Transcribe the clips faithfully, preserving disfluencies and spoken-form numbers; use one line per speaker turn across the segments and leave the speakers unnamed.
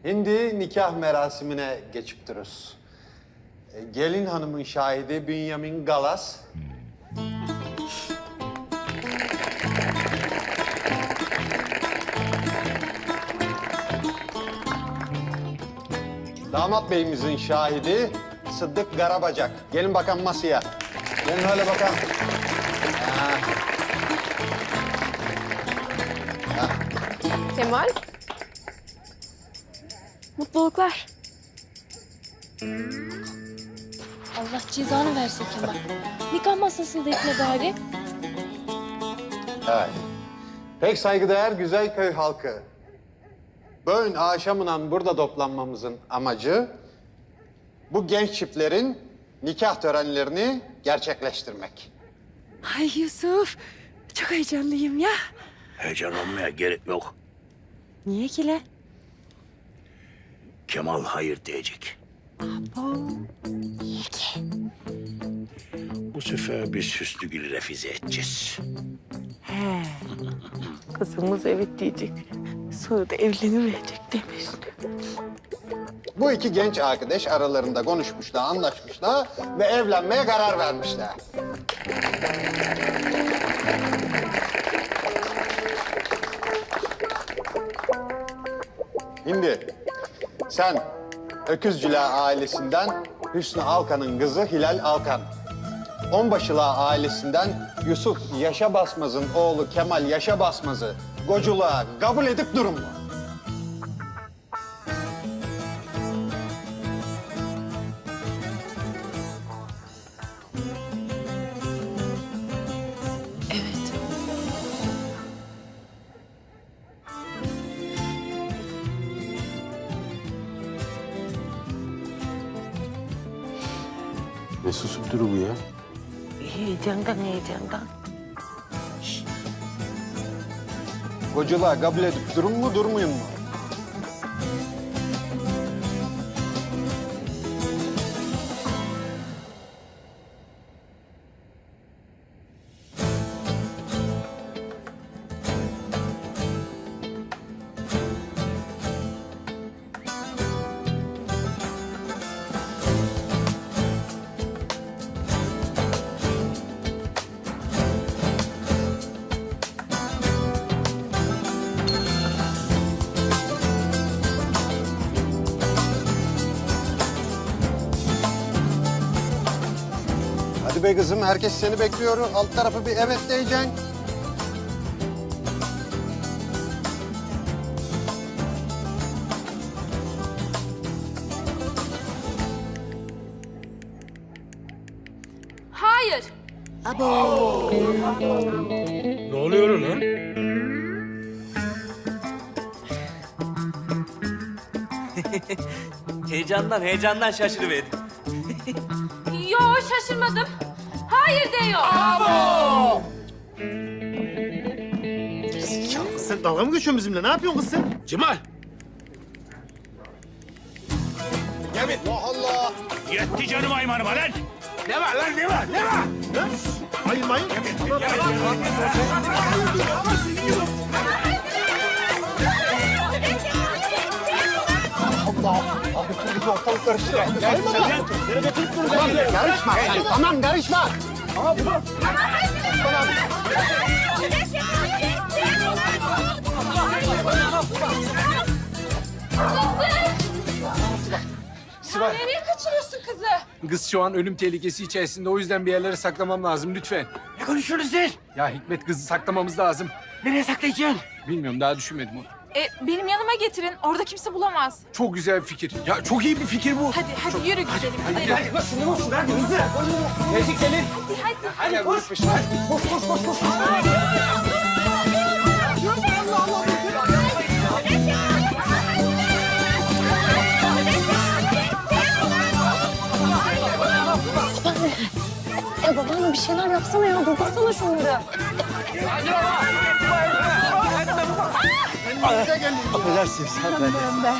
Şimdi nikah merasimine geçip dururuz. E, Gelin hanımın şahidi Bünyamin Galas. Damat beyimizin şahidi Sıddık Garabacak. Gelin bakalım masaya. Gelin öyle bakalım. Ha. Ha.
Kemal. Mutluluklar.
Allah cezanı versin Kemal. Nikah masasında etme bari.
Evet. Pek saygıdeğer Güzelköy halkı. Bugün akşamından burada toplanmamızın amacı bu genç çiftlerin nikah törenlerini gerçekleştirmek.
Ay Yusuf, çok heyecanlıyım ya.
Heyecanlanmaya gerek yok.
Niye ki le?
Kemal hayır diyecek.
Niye ki?
Bu sefer biz Hüsnügül'ü refize edeceğiz.
He. Kızımız evet diyecek. Sonra da evlenemeyecek demiş.
Bu iki genç arkadaş aralarında konuşmuşlar, anlaşmışlar ve evlenmeye karar vermişler. Şimdi sen Öküzcüler ailesinden Hüsnü Alkan'ın kızı Hilal Alkan. Onbaşılar ailesinden Yusuf Yaşa Basmaz'ın oğlu Kemal Yaşa Basmaz'ı koculuğa kabul edip durun mu?
Evet.
Ne susup duru bu ya?
Heyecandan heyecandan.
Koculuğa kabul edip durun mu, durmayın mu? Hadi be kızım, herkes seni bekliyor. Alt tarafı bir evet diyeceksin.
Hayır.
Ne oluyor lan?
Heyecandan, heyecandan şaşırıverdim.
Yo şaşırmadım. Hayır diyor.
Sen dalga mı geçiyorsun bizimle? Ne yapıyorsun kız sen?
Cemal!
Allah Allah!
Yetti canım aymanıma lan! Ne var lan, ne var, ne var?
Lan! Hayır mayın.
Allah! Abi çocuk ortalık karıştı. Gel sen. Tamam, karışma. Tamam, karışma.
Sibel.
Nereye kaçırıyorsun kızı?
Kız şu an ölüm tehlikesi içerisinde. O yüzden bir yerlere saklamam lazım lütfen.
Ne konuşuyorsunuz siz?
Ya Hikmet, kızı saklamamız lazım.
Nereye saklayacaksın?
Bilmiyorum, daha düşünmedim onu.
E, benim yanıma getirin. Orada kimse bulamaz.
Çok güzel bir fikir. Ya çok iyi bir fikir bu.
Hadi hadi yürü gidelim. Hadi.
Gel. Geldik gelin.
Hadi hadi.
Hadi koş. Hadi. Koş koş koş koş.
E babam bir şeyler yapsana ya. Durdursana şunları.
Affedersiniz, hanımefendi.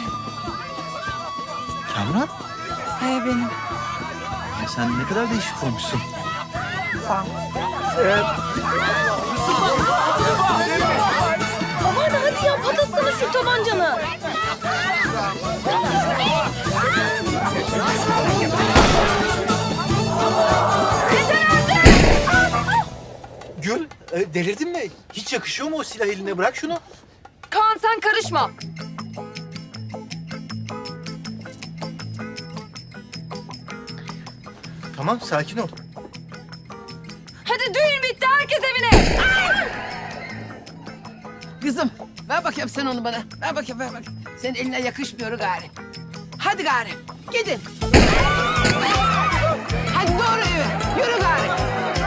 Kamran?
He benim.
Ya sen ne kadar değişik olmuşsun.
Sağ ol.
Babaanne hadi ya patlatsana şu tabancanı.
e, delirdin mi? Hiç yakışıyor mu o silah eline? Bırak şunu.
Kaan sen karışma.
Tamam, sakin ol.
Hadi düğün bitti, herkes evine.
Kızım ver bakayım sen onu bana. Ver bakayım ver bakayım. Senin eline yakışmıyor gari. Hadi gari gidin. Hadi doğru eve. Yürü gari.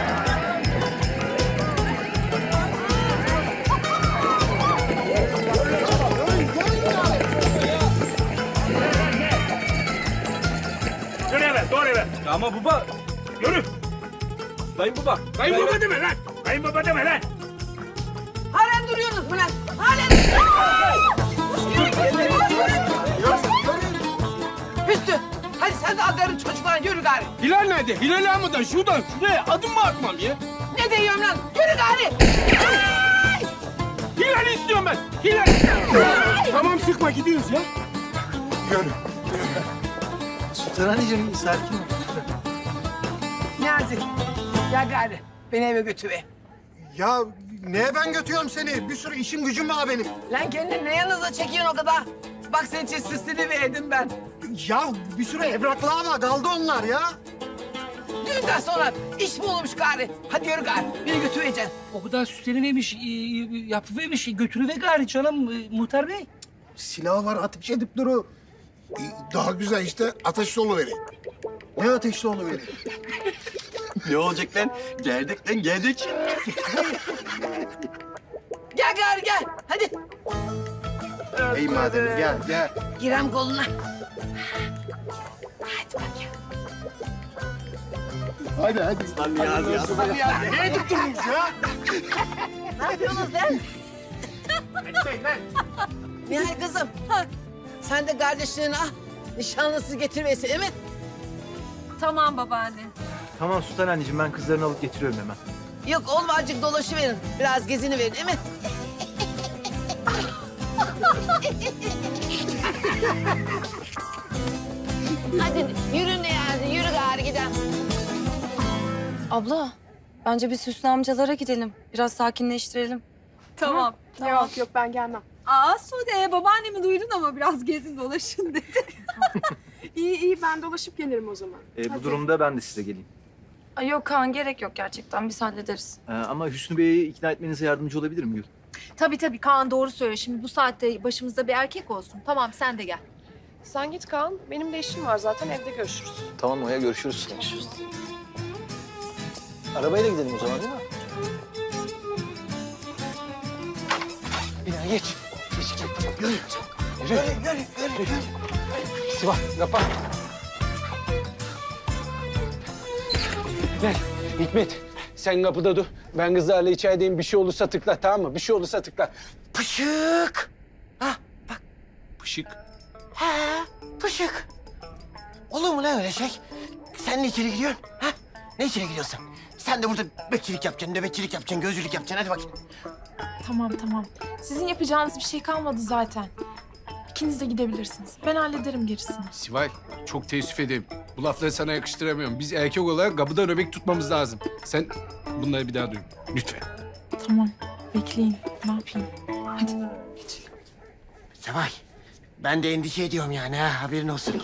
Yürü eve, doğru eve.
Ama baba,
Yürü.
kayınbaba.
Kayınbaba deme lan. Kayınbaba deme lan.
Halen duruyorsunuz mu lan? Halen. Hüsnü hadi sen de adarın çocuklarına yürü gari.
Hilal nerede? Hilal almadan şuradan şuraya adım mı atmam ya?
Ne diyorum lan? Yürü gari.
Hilal istiyorum ben. Hilal. Tamam sıkma gidiyoruz ya.
Sultan anneciğim, sakin ol.
Niyazi gel gari. Beni eve götür.
Ya neye ben götürüyorum seni? Bir sürü işim gücüm var benim.
Lan kendini ne yanınıza çekiyorsun o kadar? Bak senin için süslünü verdim ben.
Ya bir sürü evraklar var. Kaldı onlar ya.
Düğünden sonra iş mi olmuş gari? Hadi yürü gari. Beni götüreceksin.
O kadar süslenivermiş, e, yapıvermiş, götürüver gari canım e, muhtar bey.
Silahı var, ateş edip duru.
Daha güzel işte ateşli oluverir.
Ne ateşli onu verir?
Ne olacak lan? Geldik lan, geldik.
Gel gari gel. Hadi.
İyi madem gel gel.
Girem koluna. Hadi bakayım.
Hadi hadi.
Lan Niyazi ya.
Hadi ya. Nereye tutturdunuz ya?
Ne yapıyorsunuz lan? Nihal kızım. Sen de kardeşlerini al. Nişanlısı getirmesi değil mi?
Tamam babaanne.
Tamam Sultan anneciğim, ben kızlarını alıp getiriyorum hemen.
Yok oğlum azıcık dolaşıverin. Biraz gezini verin değil mi? Hadi yürü Niyazi, yürü gari gidelim.
Abla, bence biz Hüsnü amcalara gidelim. Biraz sakinleştirelim.
Tamam.
Yok yok ben gelmem.
Aa Sude, babaannemi duydun ama biraz gezin dolaşın dedi.
İyi iyi ben dolaşıp gelirim o zaman.
Ee, bu
Hadi.
durumda ben de size geleyim.
Ay yok Kaan, gerek yok gerçekten. Biz hallederiz.
Ee, ama Hüsnü Bey'i ikna etmenize yardımcı olabilir mi Gül?
Tabii tabii Kaan doğru söylüyor. Şimdi bu saatte başımızda bir erkek olsun. Tamam sen de gel.
Sen git Kaan. Benim de işim var zaten evde görüşürüz.
Tamam Oya, görüşürüz. Arabayla gidelim o zaman, değil mi?
Bina geç. Geç geç. Yürü. Yürü. Yürü. Yürü. Yürü. Sivah yapar. Gel Hikmet. Sen kapıda dur. Ben kızlarla içerideyim. Bir şey olursa tıkla, tamam mı? Bir şey olursa tıkla.
Pışık. Ha bak.
Pışık.
He pışık. Olur mu lan öyle şey? Sen ne içeri giriyorsun? Ha? Ne içeri giriyorsun? Sen de burada bekçilik yapacaksın, nöbetçilik yapacaksın, gözcülük yapacaksın. Hadi bakayım.
Tamam tamam. Sizin yapacağınız bir şey kalmadı zaten. İkiniz de gidebilirsiniz. Ben hallederim gerisini.
Sivay, çok teessüf ederim. Bu lafları sana yakıştıramıyorum. Biz erkek olarak kapıda nöbet tutmamız lazım. Sen bunları bir daha duy. Lütfen.
Tamam. Bekleyin. Ne yapayım? Hadi.
Seval, ben de endişe ediyorum yani ha, haberin olsun.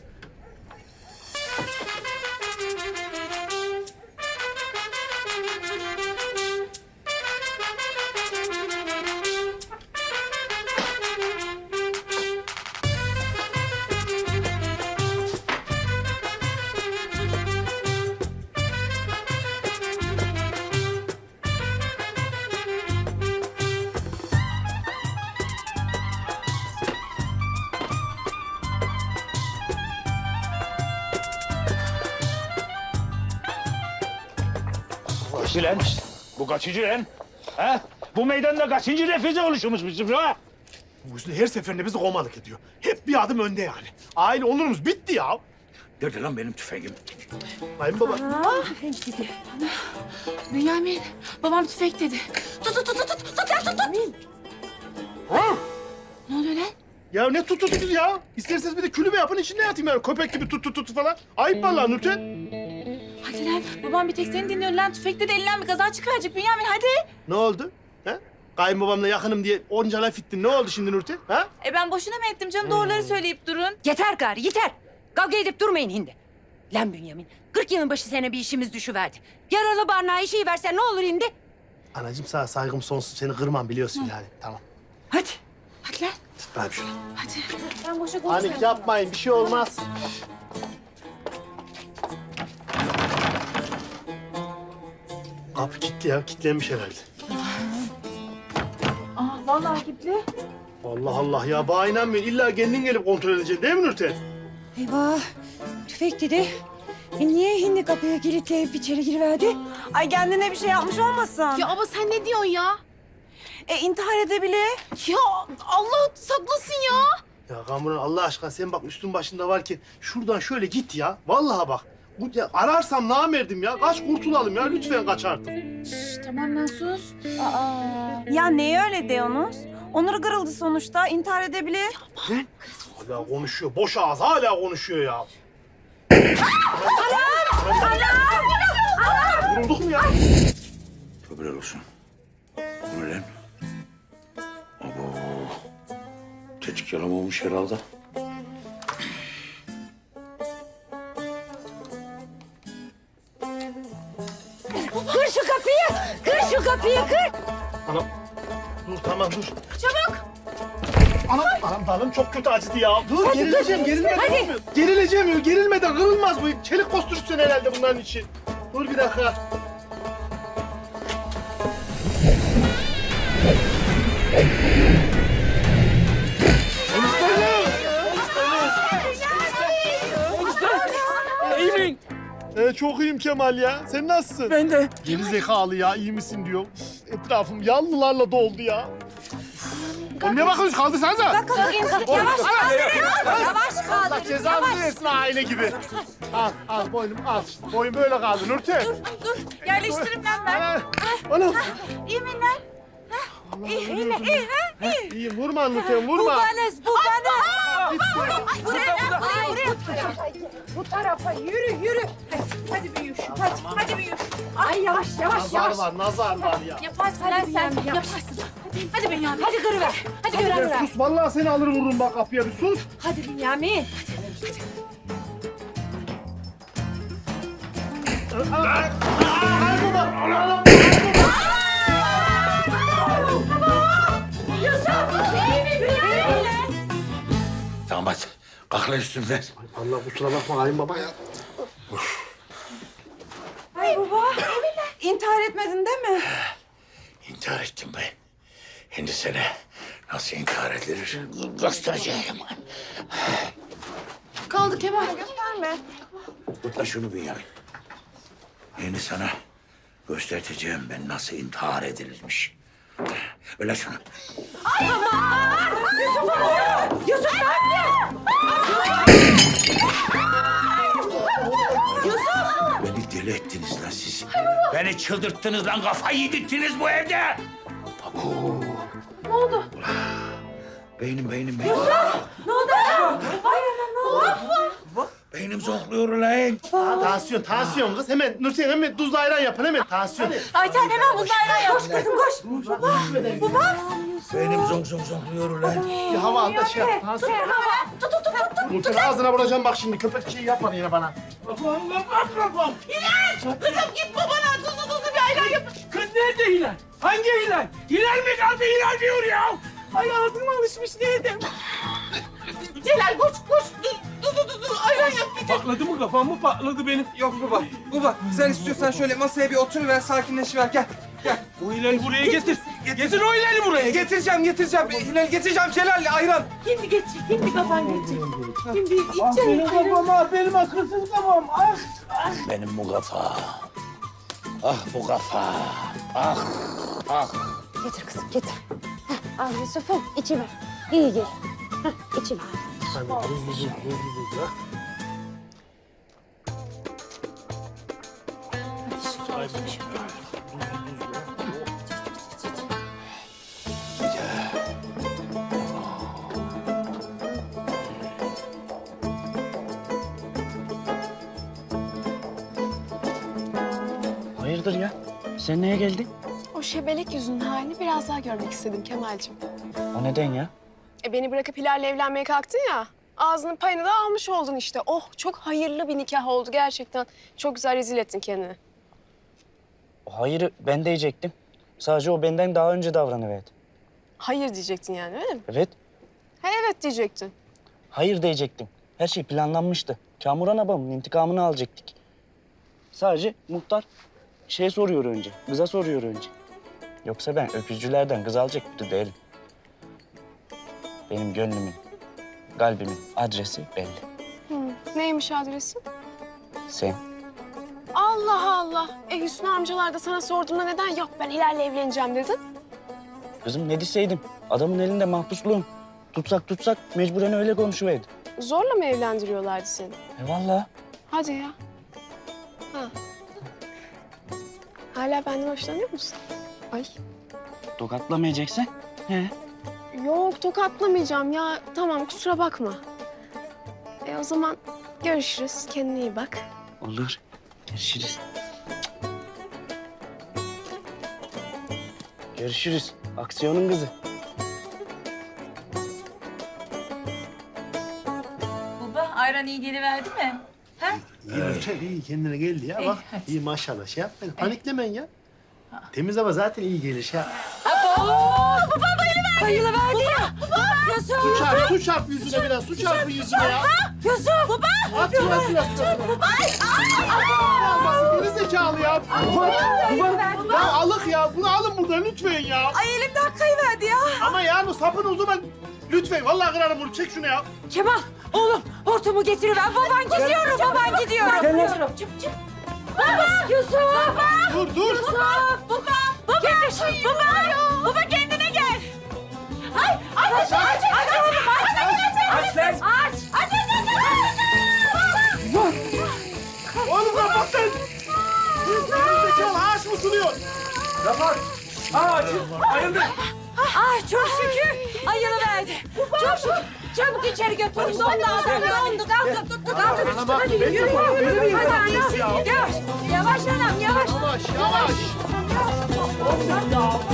Lan, bu kaçıncı lan? Ha? Bu meydanda kaçıncı refüze oluşumuz bizim ha?
Bu Hüsnü her seferinde bizi komalık ediyor. Hep bir adım önde yani. Aile olurumuz bitti ya.
Nerede lan benim tüfeğim?
Kayınbaba.
Bünyamin. Babam tüfek dedi. Tut tut tut tut tut. Tut ya tut tut.
Ha?
Ne oluyor lan?
Ya ne tut tut tut ya? İsterseniz bir de külübe yapın içinde yatayım yani. Köpek gibi tut tut tut falan. Ayıp vallahi Nurten.
Ay Hadi lan babam bir tek seni dinliyor lan. Tüfekle de elinden bir kaza çıkaracak Bünyamin hadi.
Ne oldu? Ha? Kayınbabamla yakınım diye onca laf ettin. Ne oldu şimdi Nurten? Ha?
E ben boşuna mı ettim canım doğruları söyleyip durun.
Yeter gari yeter. Kavga edip durmayın hindi. Lan Bünyamin, kırk yılın başı sene bir işimiz düşüverdi. Yaralı barnağa işi versen ne olur hindi?
Anacığım sana saygım sonsuz. Seni kırmam biliyorsun yani. Tamam.
Hadi.
Hadi lan.
Tut bakayım şunu.
Hadi.
Ben boşa konuşmuyorum.
Panik yapmayın. Bir şey olmaz. Kapı kilitli ya. Kilitlenmiş herhalde.
Aa vallahi gitti.
Allah Allah ya. Bana inanmıyorum. İlla kendin gelip kontrol edeceksin değil mi Nurten?
Eyvah. Tüfek dedi. E niye hindi kapıya kilitleyip içeri giriverdi?
Ay kendine bir şey yapmış olmasın?
Ya abla sen ne diyorsun ya?
E intihar edebilir.
Ya Allah saklasın ya.
Ya Kamuran Allah aşkına sen bak üstün başında varken şuradan şöyle git ya. Vallahi bak. Bu, ya, ararsam namerdim ya. Kaç kurtulalım ya. Lütfen kaç artık.
Şş, tamam lan sus. Aa.
Ya neye öyle diyorsunuz? Onur kırıldı sonuçta. İntihar edebilir.
Hala konuşuyor. Boş ağız hala konuşuyor ya. Vurulduk mu ya?
Tövbeler olsun. Bu ne lan? Abo. Tetik yalamamış herhalde.
Kır şu kapıyı! Kır şu kapıyı kır!
Anam. Dur tamam dur. Çabuk. Anam, anam dalım çok kötü acıdı ya. Dur gerileceğim, gerilmeden
Hadi.
olmuyor. Gerileceğim, gerilmeden kırılmaz bu. Çelik konstrüksiyon herhalde bunların için. Dur bir dakika.
İyi misin?
Ee, çok iyiyim Kemal ya. Sen nasılsın?
Ben de.
Geri zekalı ya, iyi misin diyor. Üf, etrafım yanlılarla doldu ya. Oğlum ne bakıyorsun? Kaldırsanıza.
Yavaş kaldır. Yavaş
Allah
kaldır.
cezanı versin aile gibi. Al, al boynum al. Boyun böyle kaldı Nurten.
Dur yerleştiririm lan ben.
Ha, Anam.
İyi mi lan?
İyi, iyi, iyi. İyi, vurma Nurten, vurma.
Babanız, babanız!
Ay buraya lan buraya buraya.
Bu tarafa yürü yürü.
Hadi hadi büyüş. Hadi hadi büyüş.
Ay yavaş yavaş
Nazar
yavaş.
var, nazar var ya.
Yaparsın lan sen. Yaparsın. Hadi hadi Bünyamin.
Hadi kırıver. Hadi
Ya
kırıver.
sus, vallahi seni alır vururum bak kapıya bir sus.
Hadi Bünyamin.
Ay baba, Allah'ım.
Tamam hadi. Kalk lan üstümden.
Allah kusura bakma Halim baba ya.
Ay baba. İntihar etmedin değil mi?
İntihar ettim ben. Şimdi sana nasıl intihar edilir göstereceğim.
Kaldı Kemal.
Gösterme.
Tut şunu Bünyamin. Şimdi sana göstereceğim ben nasıl intihar edilirmiş. Öyle şunu.
Yusuf ne yapıyorsun?
Beni deli ettiniz lan siz. Beni çıldırttınız lan, kafayı yedirttiniz bu evde. Abo.
Ne oldu?
Beynim, beynim, beynim.
Ne oldu?
Beynim zonkluyor lan.
Aa, tansiyon, tansiyon kız. Hemen Nurten hemen tuzlu ayran yapın hemen. Tansiyon.
Ayten hemen buzlu ayran yap.
Koş kızım koş.
Beynim zonk zonk zonkluyor lan.
Bir hava al da şey yap. Tansiyon.
Tut tut tut tut.
Nurten ağzına vuracağım bak şimdi. Köpek şeyi yapma yine bana.
Kızım git babana tuzlu tuzlu bir ayran yap.
Kız nerede Hilal? Hangi Hilal? Hilal mi kaldı? Hilal diyor ya.
Ay ağzım alışmış neydim? Celal koş koş. Tuzlu tuzlu ayran yap.
Patladı mı kafam mı patladı benim? Yok baba. Baba sen istiyorsan şöyle masaya bir oturuver sakinleşiver gel. Gel. O Hilal'i buraya getir. Getir o Hilal'i buraya. Getireceğim getireceğim. Hilal getireceğim Celal'le ayran.
Şimdi geç. Şimdi kafan geçecek. Şimdi
Ah
içecek.
benim kafam ah benim akılsız kafam. Ah.
Benim bu kafa. Ah bu kafa. Ah, ah.
Getir kızım getir. Heh, al Yusuf'um içi ver. İyi gel. Heh, içi ver.
Hayırdır ya? Sen neye geldin?
O şebelik yüzünün halini biraz daha görmek istedim Kemal'cim.
O neden ya?
E beni bırakıp Hilal'le evlenmeye kalktın ya. Ağzının payını da almış oldun işte. Oh çok hayırlı bir nikah oldu gerçekten. Çok güzel rezil ettin kendini.
Hayır ben diyecektim. Sadece o benden daha önce davranıverdi.
Hayır diyecektin yani öyle mi?
Evet.
Ha evet diyecektin.
Hayır diyecektim. Her şey planlanmıştı. Kamuran abamın intikamını alacaktık. Sadece muhtar şey soruyor önce, kıza soruyor önce. Yoksa ben öküzcülerden kız alacak biri değilim. Benim gönlümün, kalbimin adresi belli.
Hı. Neymiş adresi?
Sen.
Allah Allah. E Hüsnü amcalar da sana sorduğunda neden yok ben Hilal'le evleneceğim dedin?
Kızım ne deseydim? Adamın elinde mahpusluğum. Tutsak tutsak mecburen öyle konuşuverdi.
Zorla mı evlendiriyorlardı seni?
E vallahi.
Hadi ya. Ha. Hala benden hoşlanıyor musun? Ay.
Tokatlamayacaksan. He.
Yok tokatlamayacağım ya. Tamam kusura bakma. E o zaman görüşürüz. Kendine iyi bak.
Olur. Görüşürüz. Görüşürüz. Aksiyonun kızı.
Baba ayran iyi geliverdi mi?
İyi Nurten iyi kendine geldi ya bak. İyi maşallah şey yapmayın. Paniklemeyin ya. Temiz hava zaten iyi gelir şey yap.
Bayılıverdi ya. Yusuf.
Su çarp, su çarp yüzüne biraz. Su çarpın yüzüne ya.
Yusuf. Baba.
At şuna şuna şuna. Olmasın geri zekalı ya. Ya alık ya. Bunu alın buradan lütfen ya.
Ay elimden kayıverdi ya.
Ama yani o sapın o zaman lütfen. Vallahi kırarım bunu. Çek şunu ya.
Kemal oğlum hortumu getiriver. Baban gidiyorum. Baban gidiyorum. Geliyorum. Çık çık. Baba. Yusuf. Baba.
Dur dur.
Yusuf. Baba. Baba. Getir. Baba. Baba kendine gel. Ay aç aç aç aç oğlum aç aç aç aç aç aç
Oğlum kapat sen. Geri zekalı ağaç mı suluyor?
Kapat. Aa, ayıldı.
Ah çok şükür ayılıverdi. Çok şükür. Çabuk içeri götürün. Dondu adam dondu. Kalkın tuttu kalkın.
Bana bak,
Hadi
ben
yürü
de bak,
yürü.
beni niye
Hadi
yapıyorsun ya?
anam. Yavaş. Yavaş anam yavaş.
Yavaş yavaş.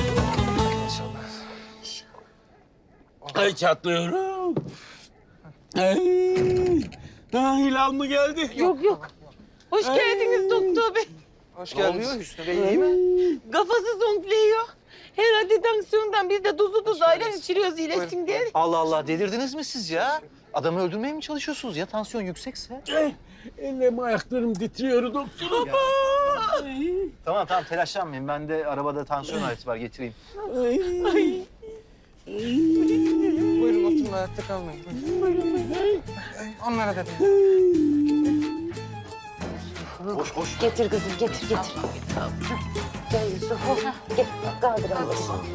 Ay çatlıyorum. Ay. Daha Hilal mı geldi?
Yok yok. Hoş geldiniz doktor bey.
Hoş geldiniz. Hüsnü Bey iyi mi?
Kafası zonkluyor. Herhalde tansiyondan biz de tuzu tuz ayran içiriyoruz iyileşsin diye.
Allah Allah delirdiniz mi siz ya? Adamı öldürmeye mi çalışıyorsunuz ya tansiyon yüksekse?
Ellerim ayaklarım titriyor doktor.
Tamam tamam telaşlanmayın. Bende arabada tansiyon aleti var getireyim. Buyurun oturun ayakta kalmayın. Onlara da
Koş koş.
Getir kızım getir getir. Gel Yusuf. Gel kaldır Allah.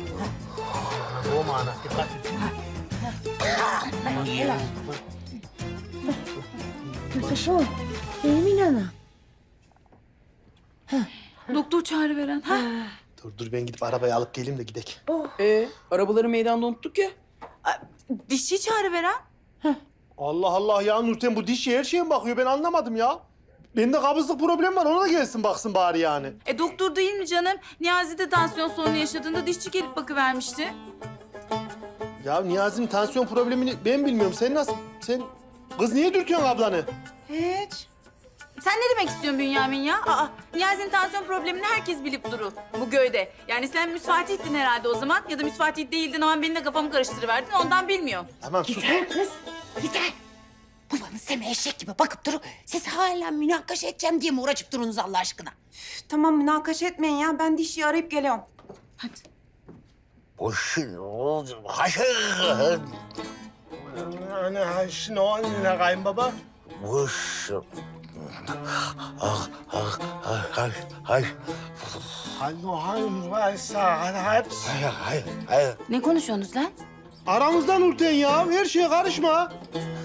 O mana dikkat et.
Yusuf'um. İyi mi nana?
Doktor çağrı veren. Ha?
Dur dur ben gidip arabayı alıp geleyim de gidek.
Ee, arabaları meydanda unuttuk ya.
Dişçi çağrı veren.
Allah Allah ya Nurten bu dişi her şeye mi bakıyor ben anlamadım ya. Bende kabızlık problemi var ona da gelsin baksın bari yani.
E doktor değil mi canım? Niyazi de tansiyon sorunu yaşadığında dişçi gelip bakıvermişti.
Ya Niyazi'nin tansiyon problemini ben bilmiyorum. Sen nasıl? Sen kız niye dürtüyorsun ablanı?
Hiç. Sen ne demek istiyorsun Bünyamin ya? Aa, Niyazi'nin tansiyon problemini herkes bilip durur bu köyde. Yani sen müsfatihtin herhalde o zaman ya da müsfatih değildin ama beni de kafamı karıştırıverdin ondan bilmiyorum.
Tamam sus.
Kız yeter. Babanız Semih eşek gibi bakıp durun. Siz hala münakaşa edeceğim diye mi uğraşıp durunuz Allah aşkına?
Üf, tamam münakaşa etmeyin ya. Ben dişçiyi arayıp geliyorum.
Boşun oğlum. Haşır.
Hani haşin o ne kayınbaba?
Boşun. Ah, ah, ah, hayır, hayır.
Hayır, hayır, hayır, hayır.
Hayır, hayır, hayır.
Ne konuşuyorsunuz lan?
Aramızda Nurten ya. Her şeye karışma.